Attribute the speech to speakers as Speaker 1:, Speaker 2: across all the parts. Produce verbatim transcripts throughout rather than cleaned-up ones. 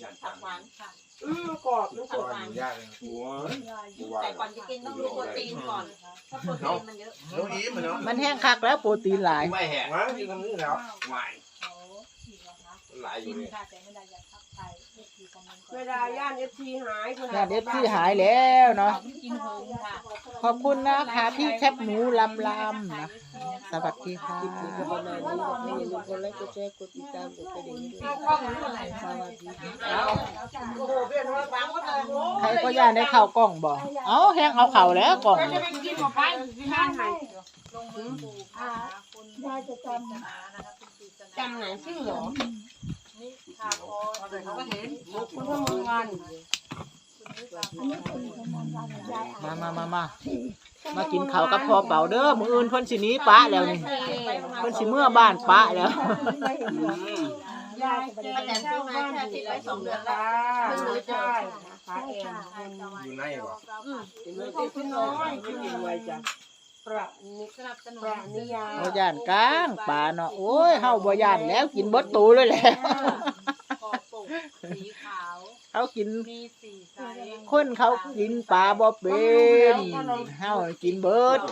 Speaker 1: ผักหวานค่ะ
Speaker 2: อืมกรอบมันกรอบ
Speaker 3: ยากเลยหัว
Speaker 1: แต่ก่อนจะกินต้องดูโปรตีนก่อนเพราะโปรตีนมันเยอะ
Speaker 3: น้องอีมเนาะ
Speaker 4: มันแห้งคักแล้วโปรตีนหลาย
Speaker 3: ไม่แหกนะที่ตรงนี้แล้วไหวหลายอยู่เนี่ย
Speaker 2: เวลาย่านเอฟซีหาย
Speaker 4: ญาติเอฟซีหายแล้วเนาะ
Speaker 1: กินเฮิงค่ะ
Speaker 4: ขอบคุณนะคะพี่แคบหมูลำลำนะสวัสดีค่ะ
Speaker 2: ประมาณนี้ให้อย่าลืมกดไลค์กดแชร์กดติดตามกดกระดิ่งด้วย
Speaker 1: ข้าวมันอะไร
Speaker 2: สวัสดีค่ะโอ้โหเปลี่ยนมาฟังหมดเลยโอ้
Speaker 4: ใครก็ย่านได้เข้ากล้องบ่เอ้าแห้งเอาเข่าแล้วกล่อง
Speaker 2: จะไปกินหมดไปที่บ้านไหน
Speaker 1: ลงมือปลูกค่ะคุณยายจะจำ
Speaker 2: จำไหนชื่อหรอ
Speaker 1: นี่ค่ะพอเขาก็เห็น
Speaker 2: คุณพมงวัน
Speaker 4: มามามามามากินข้าวกับพ่อเป่าเด้อมื้ออื่นเพิ่นสิหนีปะแล้วนี่เพิ่นสิเมื่อบ้านปะแล้ว
Speaker 2: ยายป้าแตนซื้อมาแค่ติดไว้สองเดือนแล้วเพิ่งรู้ได้นะคะเอง
Speaker 3: อยู่ในบ่
Speaker 2: เห็นไหมที่คุณน้อยคุณยังไวจ้ะประนิ
Speaker 1: สนับสนุน
Speaker 2: ประนิยา
Speaker 4: บ่ย่านกลางป่าเนาะโอ้ยเฮาบ่ย่านแล้วกินเบิดตูเลยแหละ
Speaker 1: คอปกสีขาว
Speaker 4: เขากิน
Speaker 1: มีสีใส
Speaker 4: คนเขากินปลาบ่เป็นเฮากินเบิด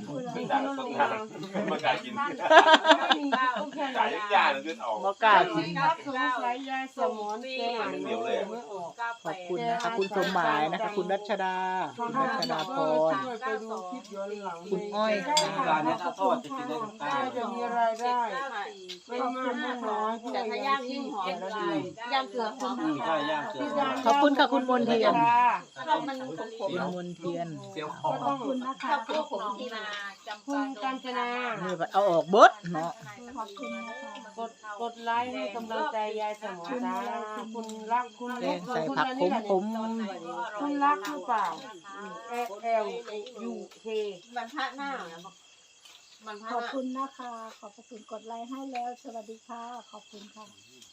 Speaker 3: มาการกินจ่ายยากเลยออก
Speaker 4: บ่กล้ากิน
Speaker 2: ครับสงสัยยายสมอนแกอ่านไม่ออก
Speaker 4: ขอบคุณนะคะคุณสมหมายนะคะคุณรัชดาคุณรัชดาพร
Speaker 2: ไปดูคลิปย้อนหลัง
Speaker 4: คุณอ้อยค่ะ
Speaker 5: ร้านนี้ถ้าทอดจะกินได้ทั้งตา
Speaker 2: จะมีรายได้ไม่มากไม่น้อย
Speaker 1: แต่ถ้าย่างยิ่งหอมเลยย่างเกลือหอม
Speaker 5: อืมใช่ย่างเกลือ
Speaker 4: ขอบคุณค่ะคุณมนเทียน
Speaker 1: ถ้ามันขม
Speaker 4: คุณมนเทียน
Speaker 5: เซียวขอ
Speaker 2: ก็
Speaker 5: ง
Speaker 2: ต้องคุณนะ
Speaker 1: ๆ
Speaker 2: คะ
Speaker 1: ถ้าพวกผมที่นาจำ
Speaker 2: คุ
Speaker 1: ปา
Speaker 2: ณกัญจนา
Speaker 4: นี่เอาออกเบิดเนาะ
Speaker 2: กดกดไลค์ให้กำลังใจยายสมอนจ้าคุณรักคุณ
Speaker 4: แกงใส่ผักขมขม
Speaker 2: คุณรักหรือเปล่า L L U K
Speaker 1: มันพระหน้ามันพระ
Speaker 6: ขอบ
Speaker 1: หน้า
Speaker 6: คุณนะคะ ขอบพระคุณกดไลค์ให้แล้ว สวัสดีค่ะ ขอบคุณค่ะ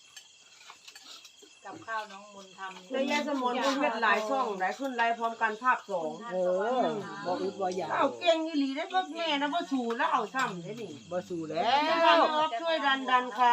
Speaker 1: กับข้าวน้องมนทำ
Speaker 2: แล้วยายสมอนคุณเฮ็ดหลายช่องหลายขึ้นไลค์พร้อมกันภาพสอง
Speaker 4: เออบ่อึดบ่อยาก
Speaker 2: เอาเก่งอีหลีได้พ่อแม่นะพ่อชูแล้วเอาซ้ำได้ดิ
Speaker 4: บ่สู้แล้
Speaker 2: แล้ว วช่วยดันดันค่ะ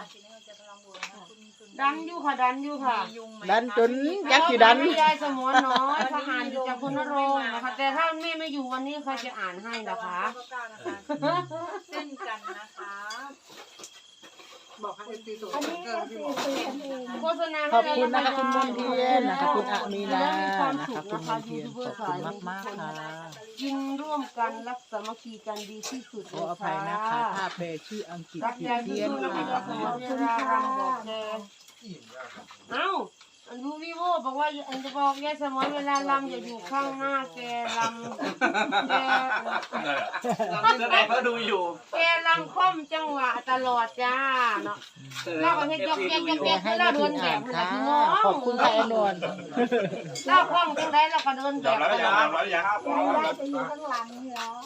Speaker 2: ดันอยู่ค่ะดันอยู่ค่ะ
Speaker 4: ดันจนยักษ์สิดัน
Speaker 2: ยายสมอนน้อยทหารอยู่จากคุณนรงค์นะคะแต่ถ้าแม่ไม่อยู่วันนี้ใครจะอ่านให้นะคะ
Speaker 1: เส้นกันนะคะ บอกให้ตีตัว
Speaker 6: อันนี้ก็สี่สี่อันเอง
Speaker 2: โฆษณา
Speaker 4: ขอบคุณนะคะคุณมนเทียนนะคะคุณอามีนานะคะคุณมนเทียนขอบคุณมากๆค่ะ
Speaker 2: กินร่วมกันรักสามัคคีกันดีที่สุด
Speaker 4: ขออภัยนะคะถ้าแปลชื่ออังกฤษ
Speaker 2: รัก
Speaker 4: ผิด
Speaker 2: ยาย
Speaker 4: เพี้ยน
Speaker 2: ทุกคน
Speaker 4: ค่ะ
Speaker 2: นะคะเวลารำบอกแกเอ้าอันดูวิโวบอกว่าอันจะบอกยายสมอนเวลารำอย่าอยู่ข้างหน้าแกรำแก
Speaker 5: แสดงเขาดูอยู่
Speaker 2: แกรำค่อมจังหวะตลอดจ้าเนาะเราก็เฮ็ดยกแยกยกแยก
Speaker 4: ให้
Speaker 2: เรา
Speaker 4: แม่
Speaker 2: เดิ
Speaker 4: ทิ
Speaker 2: น
Speaker 4: น
Speaker 2: แบ
Speaker 4: อ่า
Speaker 2: บ
Speaker 4: น
Speaker 2: มัน
Speaker 4: ค่ะ
Speaker 2: พี่น้อง
Speaker 4: ขอบคุณค่ะไอ้นวล
Speaker 2: เราคล่องจังไดเราก็เดินแบ
Speaker 3: จับบ แล้ว
Speaker 2: ต
Speaker 3: ยัง
Speaker 2: ลอด
Speaker 3: แล้วยัง
Speaker 6: ยายได้จะอยู่ข้างหลังนี่แล้ว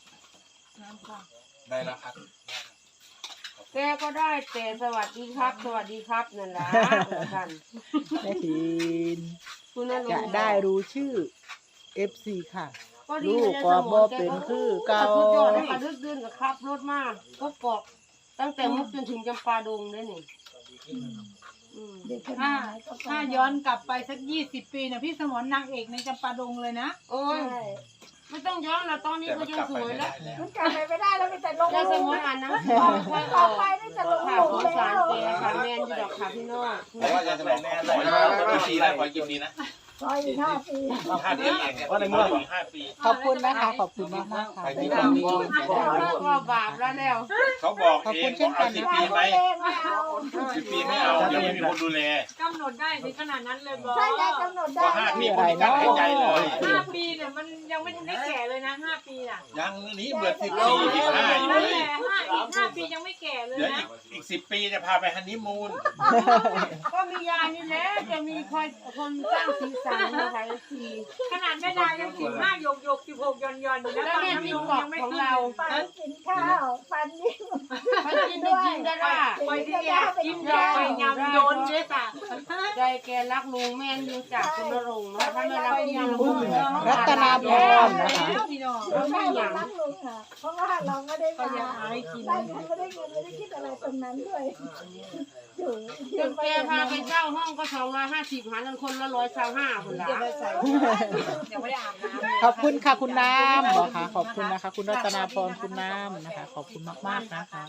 Speaker 3: ได้แล้วครับ
Speaker 2: แกก็ได้แต่สวัสดีครับ สวัสดีครับนั่นแหละท่าน
Speaker 4: แม่ทิน
Speaker 2: คุณนรง
Speaker 4: จะ
Speaker 2: ค์
Speaker 4: ได้รู้ชื่อ เอฟ ซี ค่ะ
Speaker 2: ก็ดี
Speaker 4: ลูก
Speaker 2: นะ
Speaker 4: ก็
Speaker 2: ยายสม
Speaker 4: บ่
Speaker 2: ร
Speaker 4: เป็นคือเก่า
Speaker 2: สุดยอดเลยค่ะดึกดื่นกับครับรถมากก็เกาะตั้งแต่มุกจนถึงจำปาดงเลยนี่อืม
Speaker 6: เด็กคน
Speaker 7: ถ้า
Speaker 6: ไหนก็
Speaker 7: ถ้าย้อนกลับไปสักยี่สิบปีนะพี่สมรนางเอกในจำปาดงเลยนะ
Speaker 2: โอ้ย
Speaker 6: ใช่
Speaker 2: ไม่ต้องย้อนแล้วตอนนี้ก็ยังสวยแล้ว
Speaker 6: มันกลับไปไม่ได้แล้วมีแต่ลง
Speaker 2: ยาย
Speaker 6: ห
Speaker 2: ส
Speaker 6: ลุ
Speaker 2: ม
Speaker 6: ม
Speaker 2: รอ่านหนังสือค่อยๆอ
Speaker 6: ต่อ
Speaker 2: อก
Speaker 6: ไปได้จะลง
Speaker 2: ค่ะ
Speaker 6: หลุม
Speaker 2: สง
Speaker 6: แล้
Speaker 2: สาร
Speaker 6: ว
Speaker 2: แกค่ะแมนอยู่ดอกค่ะพี่น้อง
Speaker 3: เพราะว่าจะแสดงแน่เลยกี่ปีแล้วกี่ปีนะ
Speaker 6: ซอยอีกห้าปี
Speaker 3: ห้าปีว่าในเมื่อห้าปี
Speaker 4: ขอบคุณนะคะ ขอบคุณมากมากๆค่ะ
Speaker 3: ที่
Speaker 4: ที่
Speaker 3: ตามนี้
Speaker 2: ก็บาปแล้วแล้ว
Speaker 3: เขาบอกเองว่าเอาสิบปีไหม
Speaker 6: เองไม่เอา
Speaker 3: สิบปีไม่เอาเดี๋ยวไม่มีคนดูแล
Speaker 7: กำหนดได้ถึงขนาดนั้นเลยบอ
Speaker 6: ใช่ยายกำหนดได้
Speaker 3: ว่าห้าปีคนนี้กันหายใจเลย
Speaker 7: ห้าปีเนี่ยมันยังไม่ทันได้แก่เลยนะห้าปีน่ะ
Speaker 3: ยังนี้เบื่อสิบปีสิบห้าอยู่
Speaker 7: นั่น
Speaker 3: เล
Speaker 7: แห
Speaker 3: ย
Speaker 7: ละห้าอีกห้าปียังไม่แก่เลย
Speaker 3: เดี๋ยว
Speaker 7: นะ
Speaker 3: อีกสิบปีจะพาไปฮันนีมูน
Speaker 2: ก็มียานี่แหละจะมีคอยคนสร้างสีสันนะคะสี
Speaker 7: ขนาดแม่ดายังสิบห้าหยกหยกสิบหกยอนยอนอยู่แล้ว
Speaker 2: แล้ว
Speaker 7: ตอน
Speaker 2: เนี่ย
Speaker 7: นี้
Speaker 2: ที่
Speaker 7: ยัง
Speaker 2: เกาะ
Speaker 7: ไม่
Speaker 2: ของ
Speaker 7: ขึ้น
Speaker 2: เรา
Speaker 6: ฟันกินข้าวฟันยิ้ม
Speaker 2: มันกินได้กินได้ล่ะ
Speaker 7: ไปที่เนี่ยกินยาไปยำโยนด้วยค่ะ
Speaker 2: ใจแกรักลุงแม่นอยู่จากคุณนรงค์นะถ้าไม่รักพี่ลุ
Speaker 4: คุณ
Speaker 2: ง
Speaker 4: รัตนาพรนะคะ
Speaker 7: พี่น้อง
Speaker 6: เราไม่อยากรักลุงค่ะ เพราะว่าเราไม่ได้
Speaker 7: ก็
Speaker 6: มา
Speaker 7: อยากหากิน
Speaker 6: ได้เงินไม่ได้เงินไม่ได้คิดอะไรตรงนั้นด้วยอยู่อ
Speaker 2: จ
Speaker 6: ยู่
Speaker 2: นแกพาไปเช่าห้องก็สองร้อยห้าสิบหารกันคนละร้อยเช่าห้าคนละ
Speaker 1: ยังไม่ได้อาบน้ำ
Speaker 4: ขอบคุณค่ะคุณน้ำบอกค่ะขอบคุณนะคะ คุณรัตนาพรคุณน้ำนะคะ ขอบคุณมากๆนะคะ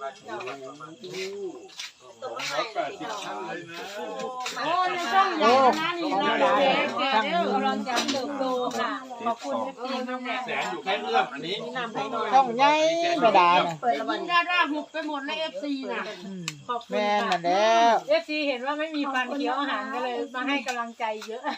Speaker 2: โอ้ในช่องใหญ่นะนี่นะแกแกเด้อก
Speaker 1: ำลังจะเติบโตค่ะ ขอบคุณเอฟซีมาก
Speaker 5: แสนอยู่แค่เอื้อมอันนี้
Speaker 4: ช่องใหญ่ไม่ได้นะ
Speaker 2: กินดาด้าหุบไปหมดในเอฟซีน่ะ
Speaker 4: อืม
Speaker 7: ขอบคุณ
Speaker 4: แม่น
Speaker 7: ค่ะ
Speaker 4: น่ะแล้ว
Speaker 7: เอฟซีเห็นว่าไม่มีฟันเคี้ยวอาหารก็เลยมาให้กำลังใจเยอะ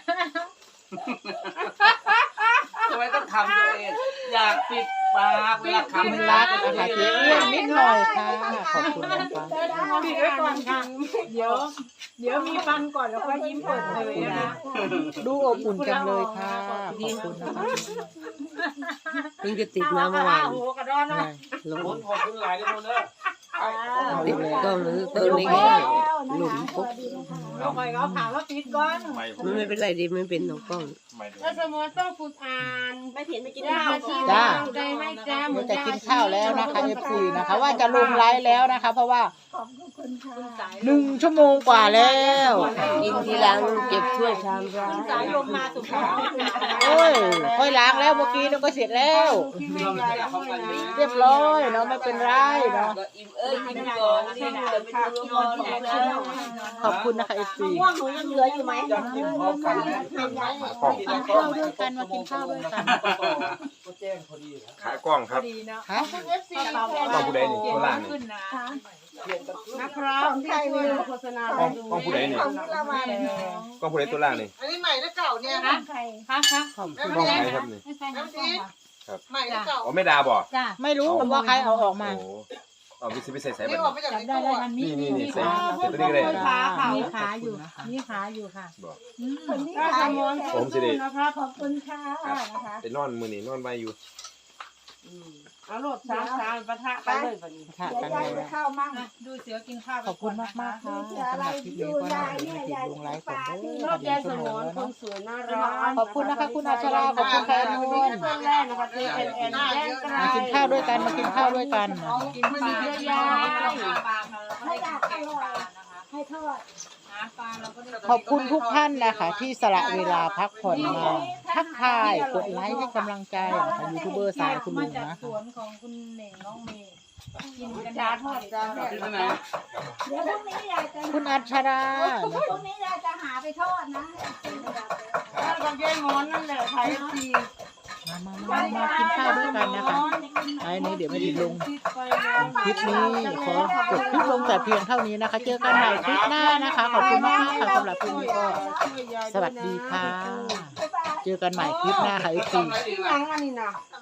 Speaker 5: ทำไมต้องทำตัวเองอยากปิดปากเวลา
Speaker 4: คุณ
Speaker 5: คำ
Speaker 4: รักนะคะเจ๊เอื้อนนิดหน่อยค่ะ ขอบคุณนะคะ
Speaker 7: ปิดไว้ก่อนค่ะ เดี๋ยว เดี๋ยวมีฟันก่อนแล้วก็ยิ้มเปิดเผยนะคะ
Speaker 4: ดูอบอุ่นจังเลยค่ะ ขอบคุณนะคะ
Speaker 2: เพิ่งจะติดมาเมื่อวาน
Speaker 7: โอ้โหกระดอนเนาะ
Speaker 2: ลง
Speaker 5: คนขอบคุณหลายทุกคนเด้อ
Speaker 2: ติดก็หรือตัวเล็ก
Speaker 6: หลุมปุ๊บ
Speaker 7: เอาไปก็ถามว่าปิดก่อน
Speaker 2: มันไม่เป็นไรดีไม่เป็นน้องกล้องแล้วสมมติต้องฝึกอ่านไม่เห็นไม่กินข้าวที่
Speaker 4: จ้า
Speaker 2: ใจให้แจ้ห
Speaker 4: เดี๋
Speaker 2: มื
Speaker 4: ย
Speaker 2: อ
Speaker 4: วน จะกินข้าวแล้วนะคะ เอฟ ซี นะคะ ว่าจะลงไลฟ์แล้วนะคะ เพราะว่า
Speaker 6: ขอบคุณค่ะ
Speaker 4: หนึ่งชั่วโมงกว่าแล้ว
Speaker 2: กินทีหลังเก็บถ้วยชามร้าน
Speaker 7: สายลมมาสุดท้าย
Speaker 4: โอ้ยค่อยล้างแล้วเมื่อกี้เราก็เสร็จแล้ว เรียบร้อยเนาะไม่เป็นไรเนาะ
Speaker 2: อิ่มเอ้ยอิ่มก่อนนี่จะไปดูนอนแล้ว
Speaker 4: ขอบคุณนะคะ เอฟ ซี
Speaker 2: ม่วงหนูยังเหลืออยู่ไหม
Speaker 5: อยากกินพร้อมกันนะ
Speaker 4: กินข้าวด้วยกันมากินข้าวด้วยกัน
Speaker 5: ก็แจ้งพอดีนะ
Speaker 3: ขายกล้องครับ
Speaker 7: ดีเนาะ
Speaker 4: ฮะ
Speaker 2: คุณเอฟซี
Speaker 3: กล้องผู้ใดนี่โคราชนี่
Speaker 7: ขึ้นนะ
Speaker 2: นะครับที่ช่วยโฆษณาก
Speaker 3: ล้องกล้องผู้ใดนี่
Speaker 6: ของละวัน
Speaker 3: กล้องผู้ใดตัวล่างนี่
Speaker 1: อันนี้ใหม่หรือเก่าเนี่ย
Speaker 6: นะใคร
Speaker 7: ค่ะค่ะ
Speaker 4: ขอบคุณ
Speaker 3: กล้องใครครับนี่
Speaker 7: ไม่ใช่น้ำส้มค่ะ
Speaker 1: ใหม่หรือเก่า
Speaker 3: อ๋อไม่ดาบ่
Speaker 7: จ้า
Speaker 4: ไม่รู้ว่าใครเอาออกมา
Speaker 3: โอ้โหเอาวิสิพิเศษใส่
Speaker 1: นี่
Speaker 3: บัต
Speaker 1: ออก
Speaker 3: ร
Speaker 1: มาจาก
Speaker 7: จับ
Speaker 1: ใน
Speaker 7: ได้
Speaker 1: ตู้
Speaker 7: ได้
Speaker 1: อะ
Speaker 7: มันมี
Speaker 3: นี่นี่นี่
Speaker 7: มี
Speaker 3: ใส่
Speaker 7: ขา
Speaker 3: ใส่ตัวนี้ก็ได้
Speaker 2: ขาเขา
Speaker 7: มีขาอยู่มีขาอยู่ค่ะ
Speaker 3: บ่
Speaker 7: อืม
Speaker 6: คนนี้
Speaker 2: ถ้า
Speaker 6: ขา
Speaker 2: ส
Speaker 6: ย
Speaker 2: มอน
Speaker 3: ผมสิได้
Speaker 2: นะครับ
Speaker 6: ขอบคุณค่ะนะคะ
Speaker 3: ไปนอนมื้อนี้นอนไว้อยู่
Speaker 2: เอาโหลดสามสามปะทะกันเลยแบบนี้
Speaker 4: ค่ะ
Speaker 6: เดี๋ยว
Speaker 4: กัน
Speaker 6: ยาย
Speaker 4: เล
Speaker 6: จะ
Speaker 4: ย
Speaker 6: เข้ามั่ง
Speaker 7: อ่ะดูเสือกินข้าวไป
Speaker 4: ขอบคุณมากมากๆค่ะสำหรับคลิปนี้ก็น่าจะมาติดลงไลฟ์ก่อนเด้
Speaker 2: ร
Speaker 4: อ
Speaker 2: อบยายส
Speaker 4: ชั่ว
Speaker 2: ม
Speaker 4: โม
Speaker 2: อง น
Speaker 4: แล้ว
Speaker 2: ค
Speaker 4: เนาะ
Speaker 2: นสวยน่ารัก
Speaker 4: ขอบคุณนะคะคุณอัชราขอบคุณแฟนนุ่น
Speaker 2: เพื่อนแรกนะคะเจเอ็นเอ็นแย่งกัน
Speaker 4: มากินข้าวด้วยกันมากินข้าวด้วยกัน
Speaker 7: กินปลาเยอะๆปลาเราก็
Speaker 6: ให้
Speaker 7: ได้
Speaker 6: ดักอ
Speaker 7: กิน
Speaker 6: ร่อ
Speaker 7: ปลาย นะคะ
Speaker 6: ให้ทอด
Speaker 7: หาปลาเราก็ได้
Speaker 4: ขอบคุณทุกท่านนะคะ ที่สละเวลาพักผ่อนมาทักทายกดไลค์ให้กำลังใจนะคะยูทูบเบอร์สายคุณ
Speaker 7: มา
Speaker 4: ลุง
Speaker 7: จาก
Speaker 4: นะ
Speaker 7: สวนของคุณเหน่งน้องเมย์กินกัน
Speaker 2: จ้าทอดจ้า
Speaker 5: ที่ไหน
Speaker 6: เดี๋ยวพรุ่งนี้ยายจะ
Speaker 4: คุณอัชรา
Speaker 6: พรุ่งนี้ยายจะหาไปทอดนะ
Speaker 2: ถ้ากับยายงอนนั่นแหละไทยที
Speaker 4: มามามามากินข้าวด้วยกันนะคะไอ้นี้เดี๋ยวไม่ดีลง
Speaker 2: ไปแล้ว
Speaker 4: คลิปนี้ขอจบคลิปลงแต่เพียงเท่านี้นะคะ เจอกันใหม่คลิปหน้านะคะ ขอบคุณมากๆค่ะสำหรับคลิปนี้ก็สวัสดีค่ะ เจอกันใหม่คลิปหน้าค่ะอีกที
Speaker 2: ที่ยังอันนี้นะ
Speaker 1: อ